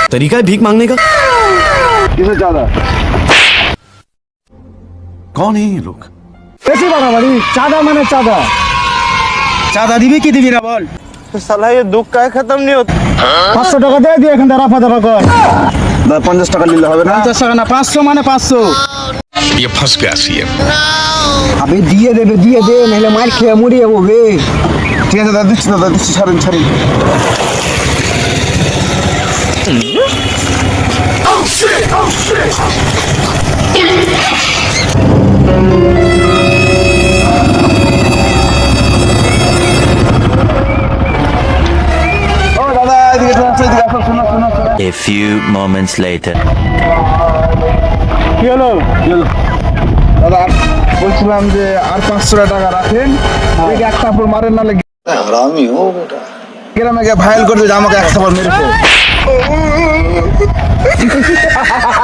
तरीका है भीख मांगने का। किसे चाঁদা? कौन है ये लोग? বেশি বাড়াবাড়ি, চাঁদা মানে চাঁদা। চাঁদা দিবি কি দিবি না বল। साला ये दुख का खत्म नहीं होता। 500 টাকা দিয়ে দিয়ে এখান থেকে রাফা দাফা কর। 50 টাকা নিলে হবে না? 50 টাকা না 500 মানে 500। ये फंस गया सीएम। আবে দিয়ে দে নাহলে মার খেয়ে মরে যাবো বে। ঠিক আছে দাদা দিচ্ছি ছাড়েন। ও দাদা এদিকে আসো শোনো। A few moments later. কি হলো? দাদা বলছিলাম যে আর 500 টাকা রাখেন, এই এক থাপ্পড় মারেন না লাগে হারামি ও বেটা। গ্রামে গিয়ে ভাইরাল করে যে আমাকে এক থাপ্পড় মেরেছে।